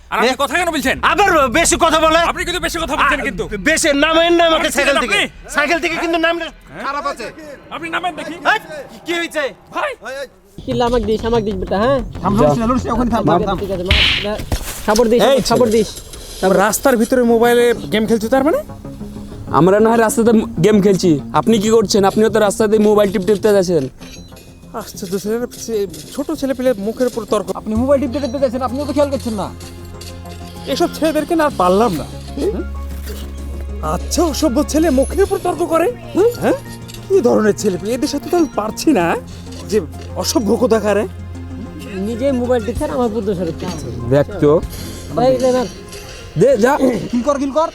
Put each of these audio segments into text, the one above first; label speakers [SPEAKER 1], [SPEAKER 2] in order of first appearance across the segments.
[SPEAKER 1] আর আপনি কথা কেন বলছেন?
[SPEAKER 2] আবার বেশি কথা বলে।
[SPEAKER 1] আপনি কিন্তু বেশি কথা বলছেন কিন্তু।
[SPEAKER 2] বেশি নামেন না আমাকে সাইকেল থেকে।
[SPEAKER 1] আপনি?
[SPEAKER 2] সাইকেল থেকে কিন্তু নাম খারাপ আছে।
[SPEAKER 1] আপনি নামেন দেখি।
[SPEAKER 2] এই, কি হয়েছে?
[SPEAKER 1] ভাই
[SPEAKER 3] কিল্লা আমাকে দিস বেটা হ্যাঁ
[SPEAKER 4] ওখানে থাম
[SPEAKER 3] ঠিক আছে খাবার দিস খাবার দিস।
[SPEAKER 1] রাস্তার ভিতরে মোবাইলে গেম খেলছো তার মানে?
[SPEAKER 5] আমরা না হয় রাস্তাতে গেম খেলছি, আপনি কি করছেন? আপনিও তো রাস্তাতে মোবাইল টিপতে যাচ্ছেন।
[SPEAKER 1] আশ্চর্য ছোট ছেলে পেলে মুখের উপর তর্ক।
[SPEAKER 4] আপনি মোবাইল টিপতে টিপতে যাচ্ছেন, আপনিও তো খেয়াল করছেন না।
[SPEAKER 1] এসব ছেলেদেরকে না আর পারলাম না। আচ্ছা অসভ্য ছেলে মুখের উপর তর্ক করে, হ্যাঁ? কি ধরনের ছেলে পেলে? এদের সাথে তো আমি পারছি না, যে অসভ্য কোথাকারে।
[SPEAKER 3] নিজে মোবাইল টিপছে আর আমার বুদ্ধ সরে দিচ্ছে
[SPEAKER 5] দেখ তো,
[SPEAKER 3] এই রে না
[SPEAKER 5] দে যা।
[SPEAKER 4] কিল কর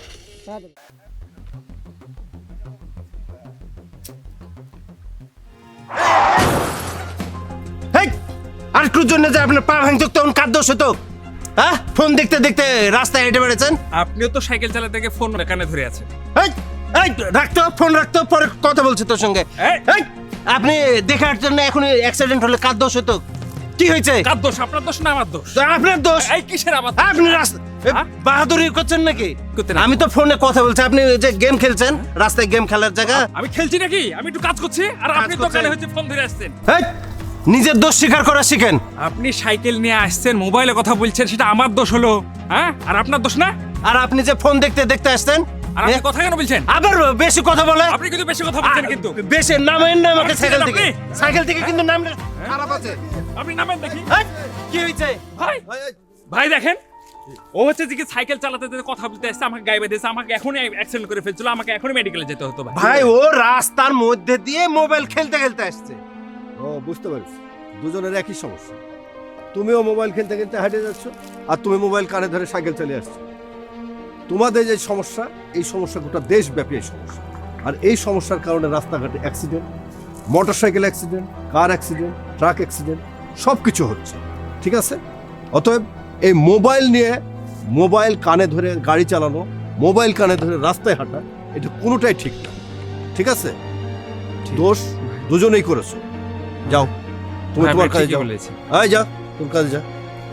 [SPEAKER 2] হেই, আর একটুর জন্য যে আপনার পা ভাঙতে তখন কার দোষ হতো? হ্যাঁ, ফোন দেখতে দেখতে রাস্তায় হেঁটে বেড়েছেন।
[SPEAKER 1] আপনিও তো সাইকেল চালাতে গিয়ে ফোন কানে ধরে আছেন।
[SPEAKER 2] এই, এই, রাখতো ফোন রাখতো, পরে কথা বলছি তোর সঙ্গে।
[SPEAKER 1] এই।
[SPEAKER 2] এই, আপনি দেখার জন্য এখন অ্যাক্সিডেন্ট হলে কার দোষ হতো? কি হয়েছে?
[SPEAKER 1] কার দোষ? আপনার দোষ না আমার দোষ?
[SPEAKER 2] আপনার দোষ।
[SPEAKER 1] এই কিসের আবার?
[SPEAKER 2] আপনি রাস্তা
[SPEAKER 1] হ্যাঁ?
[SPEAKER 2] বাহাদুরি করছেন নাকি?
[SPEAKER 1] করতে না।
[SPEAKER 2] আমি তো ফোনে কথা বলছি, আপনি ওই যে গেম খেলছেন, রাস্তায় গেম খেলার জায়গা।
[SPEAKER 1] আমি খেলছি নাকি? আমি একটু কাজ করছি আর আপনি
[SPEAKER 2] করছেন?
[SPEAKER 1] দোকানে হচ্ছে ফোন ধরে আসছেন।
[SPEAKER 2] এই, নিজের দোষ স্বীকার করা শিখেন।
[SPEAKER 1] আপনি সাইকেল নিয়ে আসছেন, মোবাইলে কথা বলছেন, সেটা আমার দোষ হলো, হ্যাঁ? আর আপনার দোষ না?
[SPEAKER 2] আর আপনি যে ফোন দেখতে দেখতে আসতেন,
[SPEAKER 1] আর আপনি কথা কেন বলছেন?
[SPEAKER 2] আবার বেশি কথা বলে।
[SPEAKER 1] আপনি কিন্তু বেশি কথা বলছেন কিন্তু।
[SPEAKER 2] বেশি নামেন না আমাকে
[SPEAKER 1] আপনি
[SPEAKER 2] সাইকেল থেকে।
[SPEAKER 1] আপনি?
[SPEAKER 2] সাইকেল থেকে কিন্তু নাম খারাপ আছে।
[SPEAKER 1] আপনি নামেন দেখি।
[SPEAKER 2] এই, কি হয়েছে?
[SPEAKER 1] ভাই ভাই দেখেন, ও হচ্ছে যে কি সাইকেল চালাতে যেতে কথা বলতে আসছে, আমাকে গায়ে বেঁধেছে, আমাকে এখনই অ্যাক্সিডেন্ট করে ফেলছিল, আমাকে এখনই মেডিকেলে যেতে হতো ভাই।
[SPEAKER 2] ভাই ও রাস্তার মধ্যে দিয়ে মোবাইল খেলতে খেলতে আসছে।
[SPEAKER 6] ও বুঝতে পারছি, দুজনের একই সমস্যা। তুমিও মোবাইল খেলতে খেলতে হেঁটে যাচ্ছ, আর তুমি মোবাইল কানে ধরে সাইকেল চালিয়ে আসছো। তোমাদের যে সমস্যা, এই সমস্যা গোটা দেশব্যাপী এই সমস্যা। আর এই সমস্যার কারণে রাস্তাঘাটে accident, motorcycle accident, car accident, truck accident সব কিছু হচ্ছে। ঠিক আছে? অতএব এই মোবাইল নিয়ে, মোবাইল কানে ধরে গাড়ি চালানো, মোবাইল কানে ধরে রাস্তায় হাঁটা, এটা কোনোটাই ঠিক না। ঠিক আছে? দোষ দুজনেই করেছো। যাও, তুমি
[SPEAKER 1] হ্যাঁ,
[SPEAKER 6] তোমার
[SPEAKER 1] ভাই,
[SPEAKER 6] কাজে
[SPEAKER 1] ঠিকই
[SPEAKER 6] যাও।
[SPEAKER 1] বলেছে।
[SPEAKER 6] আয় যা, তোর কাজে যা।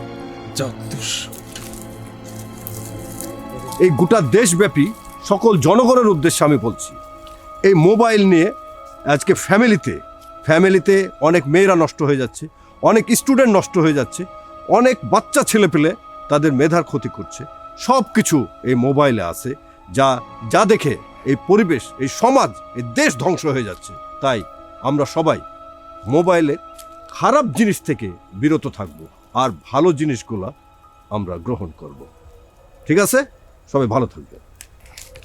[SPEAKER 6] এই গোটা দেশব্যাপী সকল জনগণের উদ্দেশ্যে আমি বলছি, এই মোবাইল নিয়ে আজকে ফ্যামিলিতে অনেক মেয়েরা নষ্ট হয়ে যাচ্ছে, অনেক স্টুডেন্ট নষ্ট হয়ে যাচ্ছে, অনেক বাচ্চা ছেলেপেলে তাদের মেধার ক্ষতি করছে। সব কিছু এই মোবাইলে আছে, যা দেখে এই পরিবেশ, এই সমাজ, এই দেশ ধ্বংস হয়ে যাচ্ছে। তাই আমরা সবাই মোবাইলে খারাপ জিনিস থেকে বিরত থাকব, আর ভালো জিনিসগুলা আমরা গ্রহণ করব। ঠিক আছে? সবাই ভালো থাকবে।